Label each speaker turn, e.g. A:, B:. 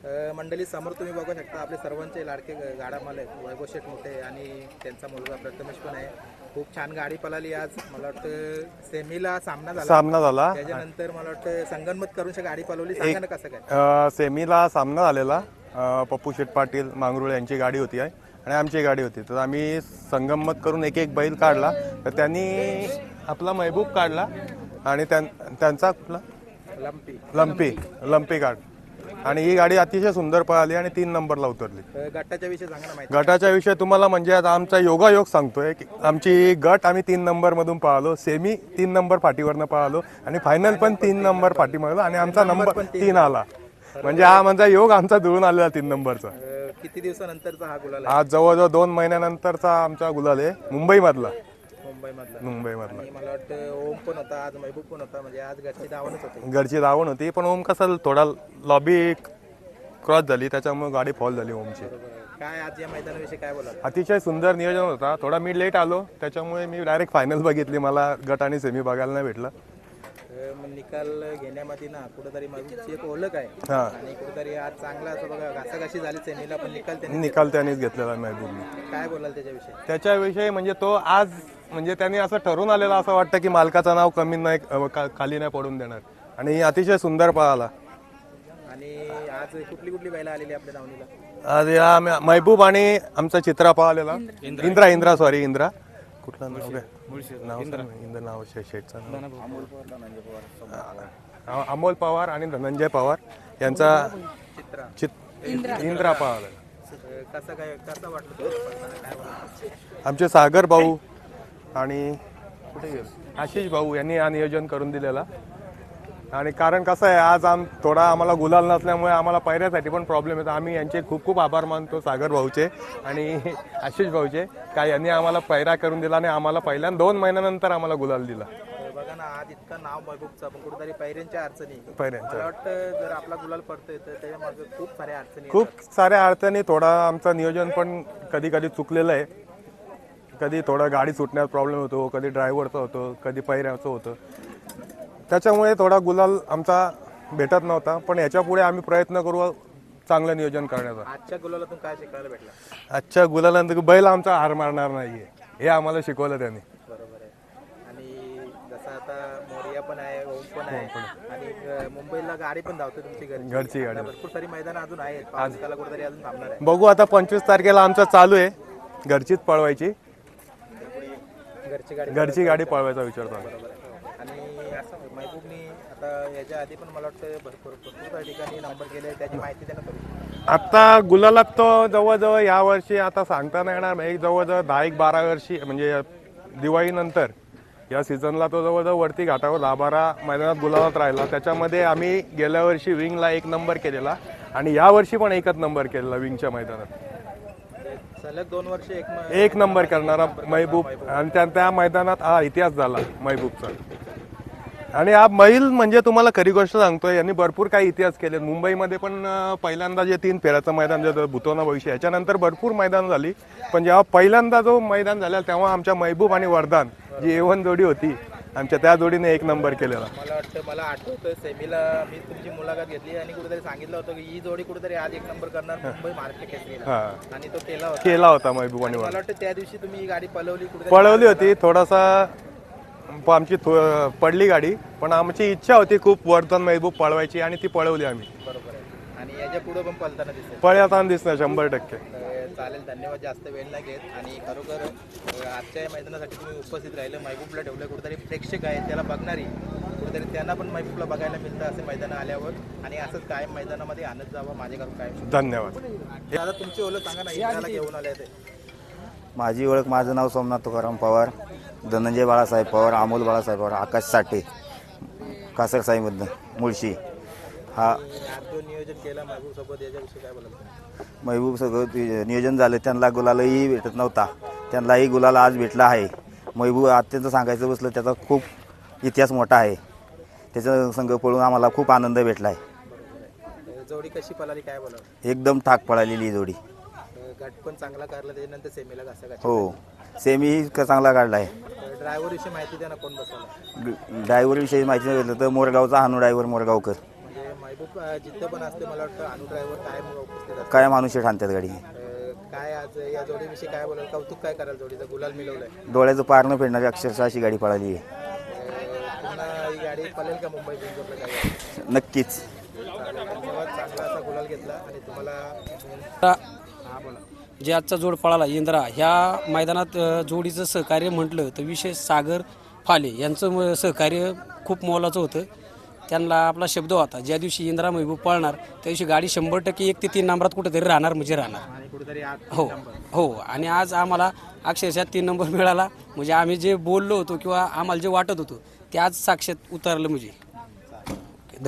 A: मंडळी समोर तुम्ही बघू शकता आपले सर्वांचे लाडके गाडा मालक वैभव शेठ मोठे आणि त्यांचा मुलगा प्रथमेश पण आहे. खूप छान गाडी पळाली आज. मला वाटतं सेमीला सामना झाला. त्याच्यानंतर मला वाटतं संगनमत करून गाडी पळवली. सांगा ना कसं काय.
B: सेमीला सामना झालेला. पप्पू शेठ पाटील मांगरुळे यांची गाडी होती आहे आणि आमची गाडी होती. तर आम्ही संगमत करून एक एक बैल काढला. तर त्यांनी आपला महबूब काढला आणि त्यांचा कुठला लंपी काढ आणि ही गाडी अतिशय सुंदर पळाली आणि 3 नंबरला उतरली.
A: गटाच्या विषयी सांगा ना माहिती.
B: गटाच्या विषयी तुम्हाला म्हणजे आता आमचा योगायोग सांगतोय की आमची गट आम्ही 3 नंबरमधून पळालो, सेमी 3 नंबर फाटीवरनं पळालो आणि फायनल पण 3 नंबर फाटीमध्ये आणि आमचा नंबर 3 आला. म्हणजे हा माझा योग आमचा जुळून आलेला 3 नंबरचा.
A: किती दिवसानंतरचा हा गुलाल
B: आज जवळजवळ 2 महिन्यानंतरचा आमचा गुलाल आहे मुंबईमधला.
A: मला वाटतं ओम पण होता आज, महबूब पण होता. म्हणजे आज घरची धावणच होती.
B: घरची धावण होती पण ओम कसं थोडा लॉबी क्रॉस झाली त्याच्यामुळे गाडी फॉल झाली ओमची.
A: काय आज या मैदानाविषयी काय बोला.
B: अतिशय सुंदर नियोजन होता. थोडा मी लेट आलो त्याच्यामुळे मी डायरेक्ट फायनल बघितली. मला गट आणि सेमी बघायला नाही भेटलं.
A: निकाल घेण्यामध्ये ना कुठेतरी महबूबची एक ओळख आहे आणि कुठेतरी आज चांगला असं बघा घासाघाशी झाली सेमीला पण निकाल
B: त्यानेच घेतलेला महबूबने.
A: काय बोलाल त्याच्याविषयी.
B: त्याच्याविषयी म्हणजे तो आज म्हणजे त्यांनी असं ठरवून आलेला असं वाटतं की मालकाचं नाव कमी नाही खाली नाही पडून देणार आणि अतिशय सुंदर पळाला.
A: आणि आज कुठली बैला आलेली आपल्या धावणीला.
B: आज या महबूब आणि आमचा चित्रा पळालेला. इंद्रा कुठलं नाव शेठचं अमोल पवार आणि धनंजय पवार यांचा इंद्रा पळाला.
A: कसं वाटलं.
B: आमचे सागर भाऊ आणि आशिष भाऊ यांनी हा नियोजन करून दिलेला. आणि कारण कसं आहे आज थोडा आम्हाला गुलाल नसल्यामुळे आम्हाला पैऱ्यासाठी पण प्रॉब्लेम येतो. आम्ही यांचे खूप खूप आभार मानतो सागर भाऊचे आणि आशिष भाऊचे काय यांनी आम्हाला पैरा करून दिला आणि आम्हाला पहिल्या 2 महिन्यानंतर आम्हाला गुलाल दिला.
A: बघा ना आज इतकं नाव महबूबचं पण कुठेतरी पैऱ्यांच्या अडचणी. मला वाटतं जर आपला गुलाल पडतोय तर त्याच्यामागे खूप साऱ्या
B: अडचणी थोडा आमचं नियोजन पण कधी कधी चुकलेलं आहे. कधी थोडा गाडी सुटण्यात प्रॉब्लेम होतो, कधी ड्रायव्हरचा होतो, कधी पैऱ्याचं होतं. त्याच्यामुळे थोडा गुलाल आमचा भेटत नव्हता. पण याच्या पुढे आम्ही प्रयत्न करू चांगलं नियोजन करण्याचा.
A: आजच्या गुलालातून काय शिकायला भेटलं.
B: आजच्या गुलालानंतर बैल आमचा हार मारणार नाहीये हे आम्हाला शिकवलं त्यांनी.
A: बरोबर आहे. आणि जसं आता मोरिया पण आहे, ओम पण आहे आणि मुंबईला गाडी पण धावते तुमची घरची गाडी. भरपूर सारी मैदान अजून आहेत. पावसाला कुठेतरी अजून थांबणार आहे.
B: बघू आता 25 तारखेला आमचं चालू आहे घरचीच पळवायची. घरची गाडी पळवायचा विचार चालू आहे.
A: आणि असं महबूबनी आता याच्या आधी पण मला वाटतं भरपूर ठिकाणी नंबर केले. त्याची माहिती द्या ना.
B: आता गुलालात तो जवळजवळ या वर्षी आता सांगता नाही येणार. एक जवळजवळ 10-12 वर्षी म्हणजे दिवाळीनंतर या सीझनला तो जवळजवळ वरती घाटावर 10-12 मैदानात गुलालात राहिला. त्याच्यामध्ये आम्ही गेल्या वर्षी विंगला 1 नंबर केलेला आणि या वर्षी पण 1च नंबर केलेला विंगच्या मैदानात.
A: सलग 2 वर्ष
B: 1 नंबर करणारा महबूब आणि त्या मैदानात हा इतिहास झाला महबूबचा. आणि हा बैल म्हणजे तुम्हाला खरी गोष्ट सांगतोय यांनी भरपूर काही इतिहास केले. मुंबईमध्ये पण पहिल्यांदा जे 3 फेऱ्याचं मैदान जे भूतोना भविष्य याच्यानंतर भरपूर मैदान झाली. पण जेव्हा पहिल्यांदा जो मैदान झाला तेव्हा आमच्या महबूब आणि वरदान जी A1 जोडी होती आमच्या त्या जोडीने 1 नंबर केलेला.
A: मला आठवतं सेमीला मी तुमची मुलाखत घेतली आणि कुठेतरी सांगितलं होतं की ही जोडी कुठेतरी आज 1 नंबर करणार मुंबई महाराष्ट्र केसरीला आणि तो केला होता
B: महबूब आणि
A: मला वाटतं त्या दिवशी तुम्ही ही गाडी
B: पळवली होती. थोडासा आमची पडली गाडी पण आमची इच्छा होती खूप वरदान महबूब पळवायची आणि ती पळवली आम्ही.
A: बरोबर आहे. आणि याच्या पुढे पण
B: पळताना दिसणार 100%.
A: चालेल. धन्यवाद. जास्त वेळ नाही घेत आणि खरोखर आजच्या या मैदानासाठी तुम्ही उपस्थित राहिलं. महबूबला ठेवलं. कुठेतरी प्रेक्षक आहेत त्याला बघणारी कुठेतरी त्यांना पण महबूबला बघायला मिळतं असे मैदान आल्यावर आणि असंच कायम मैदानामध्ये आणत जावं माझ्याकडून काय.
B: धन्यवाद.
A: दादा तुमची ओळख सांगा ना. याला घेऊन आले ते.
C: माझी ओळख माझं नाव सोमनाथ तुकाराम पवार, धनंजय बाळासाहेब पवार, अमोल बाळासाहेब पवार, आकाश साठे, कासर साईमधनं मुळशी. हा
A: जो नियोजन केला महबूब सोबत याच्याविषयी काय बोलाल.
C: महबूब सगळं नियोजन झालं. त्यांना गुलालही भेटत नव्हता. त्यांनाही गुलाल आज भेटला आहे. महबूब अत्यंत सांगायचं बसलं त्याचा खूप इतिहास मोठा आहे. त्याचा संघ पळून आम्हाला खूप आनंद भेटला आहे.
A: जोडी कशी पळाली काय बोला.
C: एकदम ठाक पळालेली जोडी.
A: गट पण चांगला काढला त्याच्यानंतर सेमीला घासा.
C: हो सेमी चांगला काढला आहे.
A: ड्रायव्हर विषयी माहिती द्या ना. कोण बसवला.
C: ड्रायव्हर विषयी माहिती नाही भेटलं तर मोरगावचा हानू ड्रायव्हर मोरगावकर.
A: म्हणजे खूप जिद्द पण असते. मला वाटतं अनु ड्रायव्हर काय उपस्थित असतात.
C: काय माणूस आणतात गाडी.
A: काय आज या जोडीविषयी काय बोलाल, कौतुक काय कराल, जोडीचं गुलाल मिळवलंय.
C: डोळ्याचं पार न फेडणारी अक्षरशः अशी गाडी पळाली आहे.
A: पुन्हा ही गाडी पळेल का मुंबई बिंजोरला काय.
C: नक्कीच.
A: धन्यवाद. चांगला असा गुलाल घेतला आणि तुम्हाला हा बोला.
D: जे आजचा जोड पळाला इंद्रा ह्या मैदानात जोडीचं सहकार्य म्हटलं तर विशेष सागर फाले यांचं सहकार्य खूप मोलाचं होतं. त्यांना आपला शब्द होता ज्या दिवशी इंद्रा महबूब पळणार त्या दिवशी गाडी 100% 1 ते 3 नंबरात कुठेतरी राहणार म्हणजे राहणार.
A: आणि कुठेतरी
D: हो हो. आणि आज आम्हाला अक्षरशः 3 नंबर मिळाला. म्हणजे आम्ही जे बोललो होतो किंवा आम्हाला जे वाटत होतं ते आज साक्षात उतरलं. म्हणजे